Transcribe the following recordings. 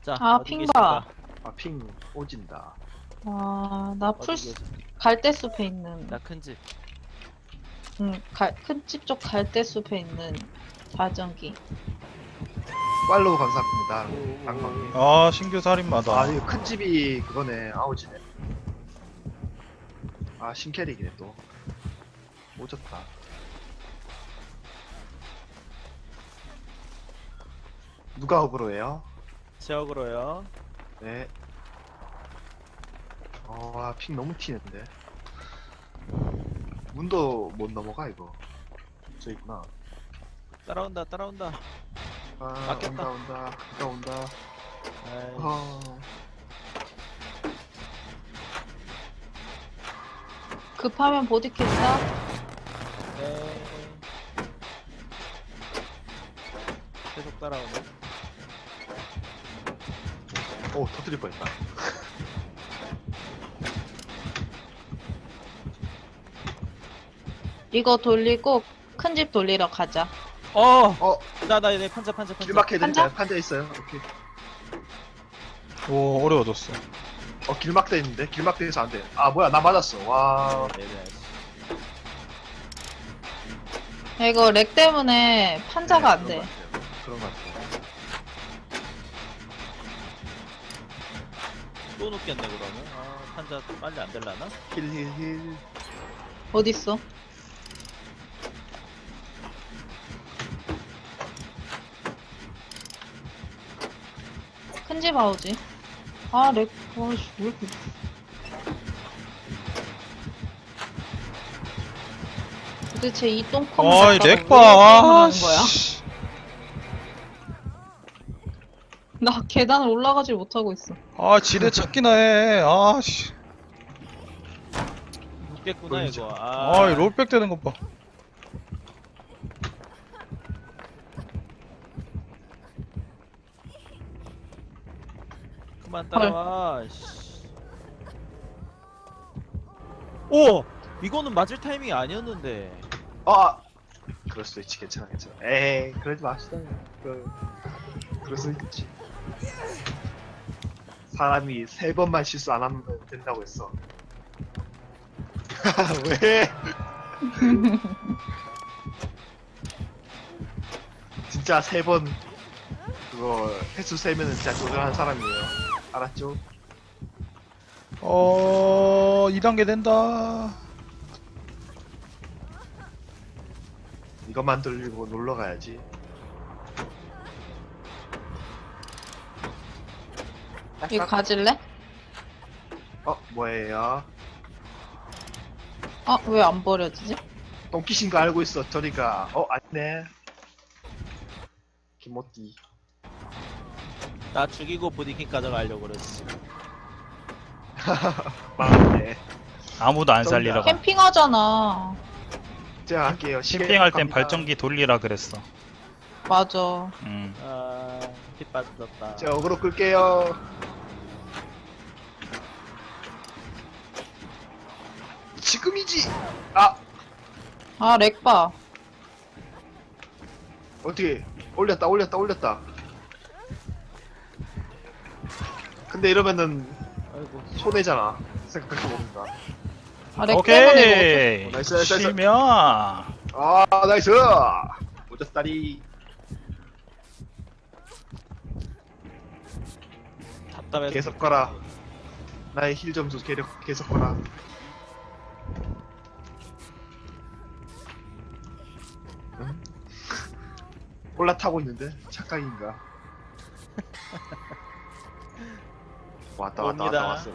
자, 아, 어디 핑 계십니까? 봐. 아, 핑 오진다. 아, 나 어디 풀스, 계시? 갈대숲에 있는, 나 큰 집. 큰 집 쪽 갈대숲에 있는 자전기. 팔로우 감사합니다. 방광님. 아 신규 살인마다. 아, 이거 큰 집이 그거네. 아우지네. 아, 신캐릭이네 또. 오졌다. 누가 어그로예요? 지역으로요. 네. 아, 핑 너무 튀는데. 문도 못 넘어가 이거. 저 있구나. 따라온다, 따라온다. 아, 막혔다. 온다. 아이, 아, 급하면 보디캐스다? 네. 계속 따라오네. 오, 터뜨릴 뻔했다. 이거 돌리고 큰 집 돌리러 가자. 어, 나 판자. 길막해야 판자? 되니까 판자 있어요. 오케이. 오 어려워졌어. 길막돼 있는데 길막돼 있어 안 돼. 아, 뭐야, 나 맞았어. 와. 네네. 이거 렉 때문에 판자가 안 돼. 그런 것 같아요. 또 눕겠네 그러면. 아, 판자 빨리 안 될라나? 힐. 어딨어? 큰 집 아우지. 아, 렉, 와씨, 왜 이렇게. 도대체 이 똥콩을 어이 갖다가 왜 렉봐. 하는 거야? 나 계단을 올라가질 못하고 있어. 아 지뢰 찾기나 해. 아 씨. 눕겠구나 보이죠? 이거. 아 롤백 되는 것 봐. 그만 따라와. 씨. 오! 이거는 맞을 타이밍이 아니었는데. 아, 그럴 수도 있지. 괜찮아. 에이, 그러지 맙시다. 그럴 수 있지. 사람이 3번만 실수 안 하면 된다고 했어. 왜? 진짜 3번 그거 횟수 세면은 진짜 조절한 사람이에요. 알았죠? 2단계 된다. 이것만 돌리고 놀러 가야지. 이거 가질래? 뭐예요? 아, 왜 안 버려지지? 똥키신 거 알고 있어. 저리가. 아니네. 김모띠. 나 죽이고 보디킹 가져가려고 그랬어. 망했네. 아무도 안 쩐다. 살리러 가. 캠핑하잖아. 제가 할게요. 캠핑할 땐 갑니다. 발전기 돌리라 그랬어. 맞아. 아, 핏 빠졌다. 제가 어그로 끌게요. 지금이지. 아, 렉 봐. 어떻게 올렸다. 근데 이러면은 아이고. 손해잖아. 생각해보니까. 아, 렉 때문에 오케이. 나이스. 쉬면. 나이스. 오졌다리. 답답해서. 계속 가라. 나의 힐 점수 계속 거라. 응? 올라타고 있는데 착각인가? 옵니다. 왔어요.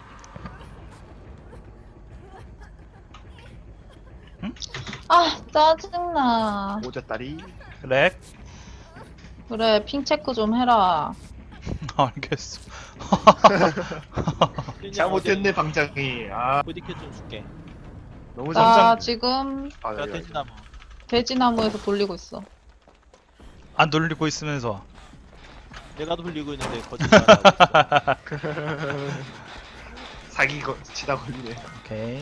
아, 짜증나. 오졌다리. 렉. 그래, 핑 체크 좀 해라. 알겠어. 잘못했네 방장이. 보디캐 좀 줄게. 너무 나 잠장. 지금 야, 돼지나무. 돼지나무에서 돌리고 있어. 안 돌리고 있으면서. 내가 돌리고 있는데 거짓말하고 있어. 사기 치다 걸리네. 오케이.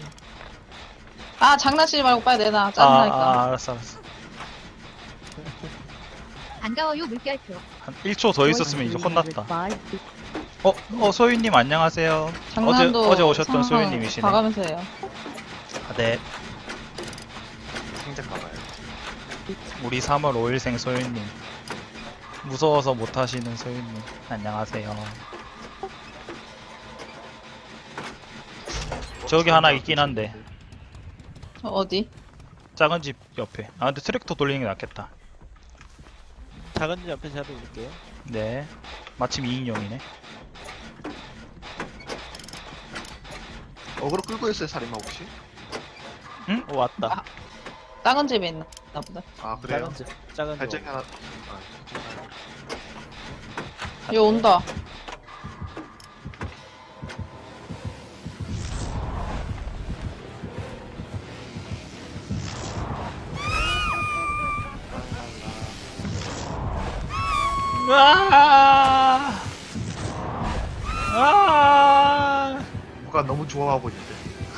아, 장난치지 말고 빨리 내놔. 짜증나니까. 알았어. 반가워요 물결표. 한 1초 더 있었으면 이제 혼났다. 소희님 안녕하세요. 장난도 어제 오셨던 상황 소희님이시네. 봐가면서 해요. 아, 네. 생각 가봐요. 우리 3월 5일생 소희님. 무서워서 못하시는 소희님. 안녕하세요. 저기 하나 있긴 한데. 어디? 작은 집 옆에. 아 근데 트랙터 돌리는 게 낫겠다. 작은 집 옆에 제가 올릴게요. 네. 마침 2인용이네. 어그로 끌고 있어요, 살인마 혹시? 왔다. 작은 집에 있나 보다. 아, 그래요? 작은 집. 발전기 하나. 얘 온다. 와! 와! 누가 너무 좋아하고 있는데.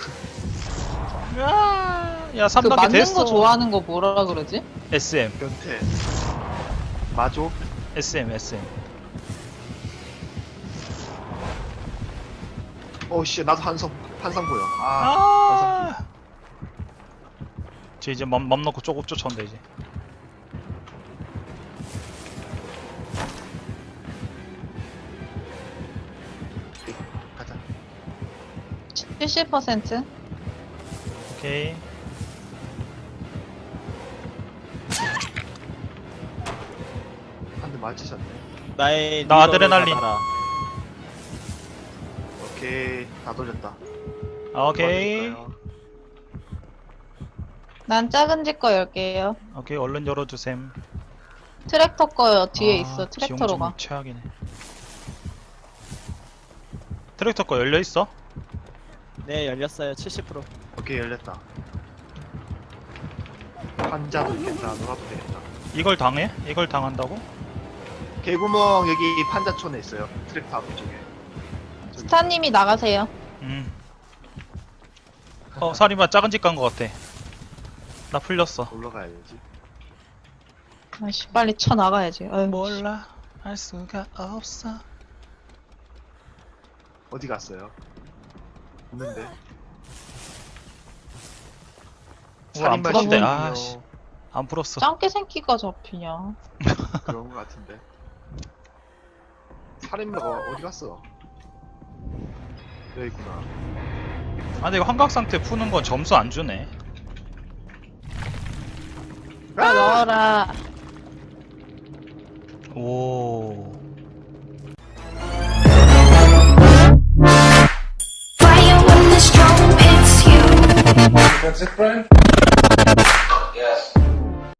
와! 야, 그 3단계 맞는 됐어. 거 좋아하는 거 뭐라 그러지? SM. 변태. 마조? SM. 씨, 나도 한성 보여. 한성. 아! 쟤 이제 맘 놓고 쪼고 쫓아온다 이제. 가자. 70%? 오케이. 한 대 맞히셨네. 나의 나 리더를 아드레날린. 받아라. 오케이, 다 돌렸다. 오케이. 도와드릴까요? 난 작은 집 거 열게요. 오케이, 얼른 열어주셈. 트랙터 거요. 뒤에 아, 있어. 트랙터로 가. 지용주님 최악이네. 트랙터 거 열려 있어? 네, 열렸어요. 70%. 오케이, 열렸다. 환자도 있겠다. 놀아도 되겠다. 이걸 당해? 이걸 당한다고? 개구멍 여기 판자촌에 있어요. 트랙터 앞쪽에. 스타님이 나가세요. 살인마 작은 집 간 거 같아. 나 풀렸어. 올라가야 되지. 아씨, 빨리 쳐 나가야지. 아유, 몰라, 알 수가 없어. 어디 갔어요? 없는데. 안 살인마 풀었대. 시간이요. 아씨, 안 풀었어. 짱깨 새끼가 잡히냐. 그런 거 같은데. 살인마가 어디 갔어? 여기 있구나. 아, 근데 이거 환각 상태 푸는 건 점수 안 주네. 아, 넣어라. 오. Fire when the storm hits you. That's it, Brian? Yes.